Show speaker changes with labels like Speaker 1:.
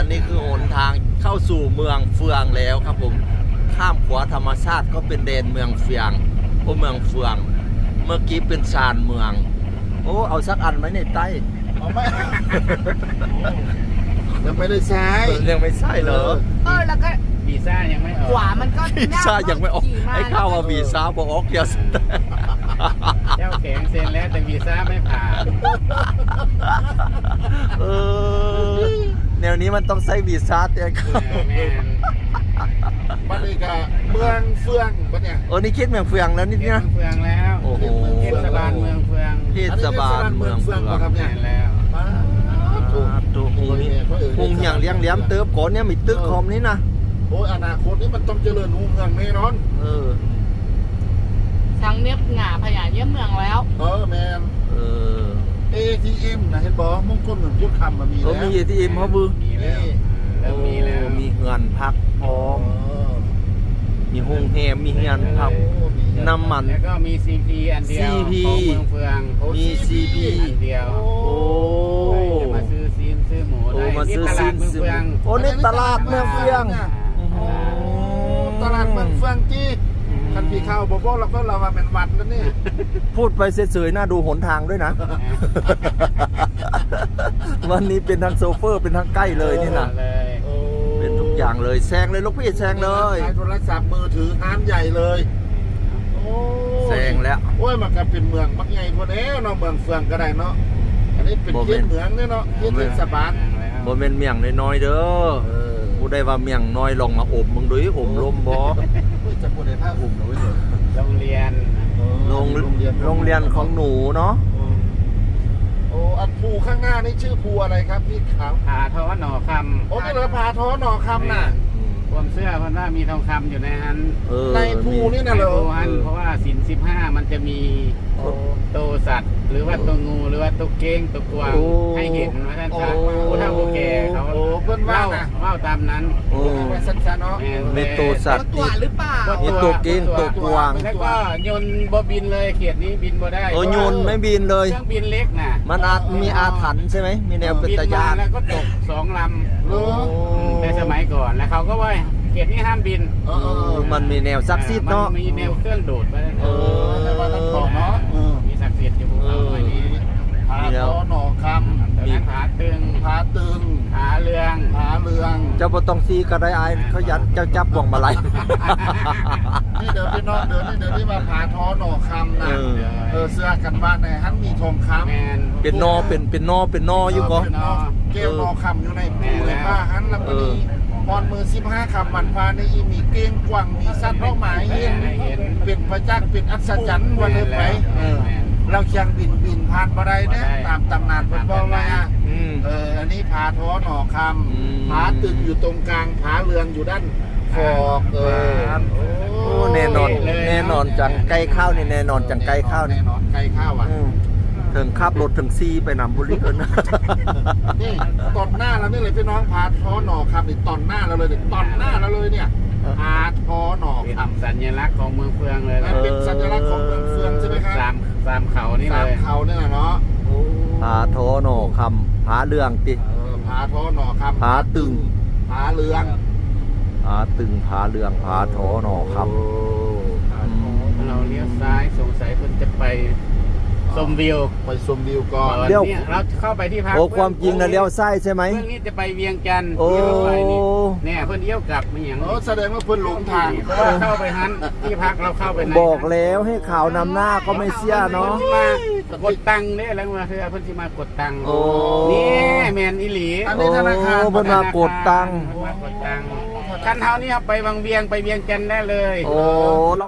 Speaker 1: นนี้คือหนทางเข้าสู่เมืองเฟืองแล้วครับผมข้ามขวาธรรมชาติก็เป็นแดนเมืองเฟืองเมืองเฟืองเมื่อกี้เป็นชานเมืองโอ้เอาสักอันไหมในใต้
Speaker 2: เอาไหมยังไม่ได้ใช้
Speaker 1: ยังไม่ใช่เหรอ
Speaker 3: แล้วก็
Speaker 4: วีซ่ายังไม่ออก
Speaker 3: ขวามันก็
Speaker 1: วีซ่ายังไม่ออกไอ้ข้าวว่าวีซ่าบอกออกเยอะ
Speaker 4: เจ้าแข็งเซ็นแล้วแต่วีซ่าไม่ผ่าน
Speaker 1: แนวนี้มันต้องใช้วีซ่าเตี้ยครับ
Speaker 4: แม่น
Speaker 2: บัดนี้ก็เมืองเฟืองบัดเนี่ย
Speaker 1: นี่คิดเมืองเฟืองแล้วนิด
Speaker 4: เมื
Speaker 1: นะ
Speaker 4: องเฟืองแล้ว
Speaker 1: โอ้โห
Speaker 4: เทศบาลเมืองเฟือง
Speaker 1: เทศบาลเมืองเฟือง
Speaker 2: ครับเนี่ย
Speaker 4: แม่นแล้ว
Speaker 1: ตัวหุงอย่างเลี้ยงเลี้ยมเติบก่อนเนี่ยมีตึกคอมนี่นะ
Speaker 2: โอ้ยอนาคตนี้มันต้องเจริญรุ่งเรืองแน่นอน
Speaker 3: ทั้งเนี้ยหง่าพญาเยี่ยมเมืองแล้ว
Speaker 2: แมน ATM นะเห็นบอกมงคลเหมือนพูดคำมามีแล้ว
Speaker 1: มี ATM เขามือ
Speaker 4: มีแล้วเริ่มมีแล้ว
Speaker 1: มีเงินพักพร้อมมีโรงแรมมีเงินพักน้ำมัน
Speaker 4: แล้วก็มี CP อันเดียว
Speaker 1: CP
Speaker 4: ของเมืองเฟือง
Speaker 1: มี CP
Speaker 4: อันเดียว
Speaker 1: โอ้
Speaker 4: จะมาซื้อซีนซื้อหมูได้
Speaker 1: มาซื้อ
Speaker 4: ที่ต
Speaker 1: ซิ
Speaker 4: ลาด
Speaker 1: น
Speaker 4: เมืองเฟือง
Speaker 1: นี่ตลาดเมืองเฟือง
Speaker 2: ตลาดเมืองเฟืองที่คันพี่เข้าบอกเราก็เรามาเป็นวัดแล้วนี่
Speaker 1: พูดไปเฉยๆน่าดูหนทางด้วยนะ วันนี้เป็นทางโซเฟอร์เป็นทางใกล้เลยนี่นะ
Speaker 4: เลย
Speaker 1: เป็นทุกอย่างเลยแซงเลยลูกพี่แซงเลย
Speaker 2: ใช้โทรศัพท์มือถือห้านใหญ่เลย
Speaker 1: แซงแล้ว
Speaker 2: โอ้ยมันก็เป็นเมืองมักใหญ่พอแล้วเนาะเมืองเฟืองก็ได้เนาะอันนี้เป็นเขตเมืองเนี่ยเนาะเขตเทศบาล
Speaker 1: บ่แม่นเมี่ยงน้อยๆเด้อผู้ได้ว่าเมี่ยงน้อยลองมาอบมึงดูอบลมบ่
Speaker 2: จะพูดในภาคอุ่มเอาไว้เลย
Speaker 4: โรงเรียน
Speaker 1: โรงเรียนของหนูเนาะ
Speaker 2: โอ้อันภูข้างหน้านี่ชื่อภูอะไรครับพี่ขาว
Speaker 4: ผาท้อหน่อคำ
Speaker 2: โอ้นี่เราพาท้อหน่อคำน่ะ
Speaker 4: ความเสื้อเพราะว่ามีทองคำอยู่ในนั้น
Speaker 2: ในภูนี่
Speaker 4: ใน
Speaker 2: นะเหรอ
Speaker 4: ภูนั้นเพราะว่าสิน15มันจะมีตัวสัตว์ หรือว่าตัวงูหรือว่าตัวเก้งตัวกวางให้เห็นว่าท่านจะผู้เฒ่าผู้แก่เขา
Speaker 2: โอ้เพื่อนว่า
Speaker 4: เล่าตามนั้น
Speaker 2: ไปสั้นๆเนาะ
Speaker 1: มีตัวสัตว์
Speaker 3: ตัวหรือเปล่า
Speaker 1: มีตัวเก้งตัวกวาง
Speaker 4: แล้วก็ยนต์บ่บินเลยเขตนี้บินบ่ได้
Speaker 1: โยนไม่บินเลย
Speaker 4: เครื่องบินเล็กน่ะ
Speaker 1: มันมีอาถรรพ์ใช่ไหมมีแนวเป็น
Speaker 4: บิน
Speaker 1: ตะยาม
Speaker 4: าน แล้วก็ตก2 ลำในสมัยก่อนแล้วเขาก็ว่าเขตนี้ห้ามบิน
Speaker 1: มันมีแนวซักซิดเนาะ
Speaker 4: มันมีแนวเครื่องดูดไป
Speaker 2: แต่ว่าท่านบอกเนาะ
Speaker 4: มีศักดิ์สิทธิ์อยู่ภูเขาหน่อยนี้
Speaker 2: พาท้อหน่อค
Speaker 4: มีผาตึง
Speaker 2: ำพาตึง
Speaker 4: ผาเรือง
Speaker 2: พาเรือง
Speaker 1: เจ้าบ่ต้องซีก็ได้อายเขายันเจ้าจับบ่วงมาลัย
Speaker 2: นี่เดี๋ยวพี่น้องเดี๋ยวนี่มาพาท้อหน่อคำนะเสื้อกันบ้านในฮันมีทองคำ
Speaker 4: แมน
Speaker 1: เป็นนอเป็นนออยู่ก็
Speaker 2: เป็นนอเกลนอคำอยู่ในปูเลยผ้าฮันแล้วก็มีพรมือ15คำมันพาในอีมีเก้งกวางมีสัตว์เป้าหมายเห็นเป็นพระจักรเป็นอัศจรรย์วันเลยไปเราเชียงบินผ่านมาได้เนี่ยตามตำนานเป็นบอกว่าอันนี้ผาท้อหน่อคำผาตึกอยู่ตรงกลางผาเรืองอยู่ด้านขอบ
Speaker 1: โอ้แน่นอนจังไก่ข้าวนี่แน่นอนจังไก่ข้าวนี่
Speaker 2: แน่นอนไก่ข้าวอ่ะ
Speaker 1: ถึงขับรถถึงซีไปนำบุรีเอิ้น
Speaker 2: นี่ตอนหน้าเราเนี่ยเลยพี่น้องผาท้อหน่อคำนี่ตอนหน้าเราเลยตอนหน้าเราเลยเนี่ยผาท้อหน่อ
Speaker 4: เป็น
Speaker 2: คำ
Speaker 4: สัญลักษณ์ของเมืองเฟืองเลย
Speaker 2: เป็นสัญลักษณ์ของเมืองเฟืองใช่ไหมครับ
Speaker 4: สามเขานี่
Speaker 2: สา
Speaker 4: เล
Speaker 2: ม
Speaker 4: ย
Speaker 2: เขาเนี่ยแหละเนาะ
Speaker 1: ผาโทโนคำผาเรืองติ
Speaker 2: ผาท้อหน่อคำ
Speaker 1: ผาตึง
Speaker 2: ผาเรือง
Speaker 1: ผาตึงผาเรืองผาโทโนค
Speaker 4: เราเลี้ยวซ้ายสงสัยคุณจะไปชมวิว
Speaker 2: ไปชมวิวก่อน
Speaker 4: เนี่ยเราเข้าไปที่พัก
Speaker 1: ำโอ้ความจริงนะเลี้ยวซ้ายใช่ไหม
Speaker 4: เพื่อนนี่จะไปเวียงจันทร์
Speaker 1: โอ้
Speaker 4: ที่รถไฟนี่เนี่ยเพื่อนเลี้ยวกลับมาอย่าง
Speaker 2: แสดงว่าเพิ่นหลงทาง
Speaker 4: เพราะว่าเข้าไปนั้นที่พักเราเข้าไปไหน
Speaker 1: บอกแล้วให้ข่าวนำหน้าก็ไม่เสียเนาะ
Speaker 4: มากดตังค์เนี่ยแล้วมาคือเพื่อนที่มากดตังค์
Speaker 1: โอ้
Speaker 4: นี่แมนอิหลี
Speaker 2: อันนี้ธนาคาร
Speaker 1: โอ้เพิ่นมากดตังค์
Speaker 4: มากดตังค์คันเท้านี่ครับไปวังเวียงไปเวียงจันทร์ได้เลย
Speaker 1: โอ้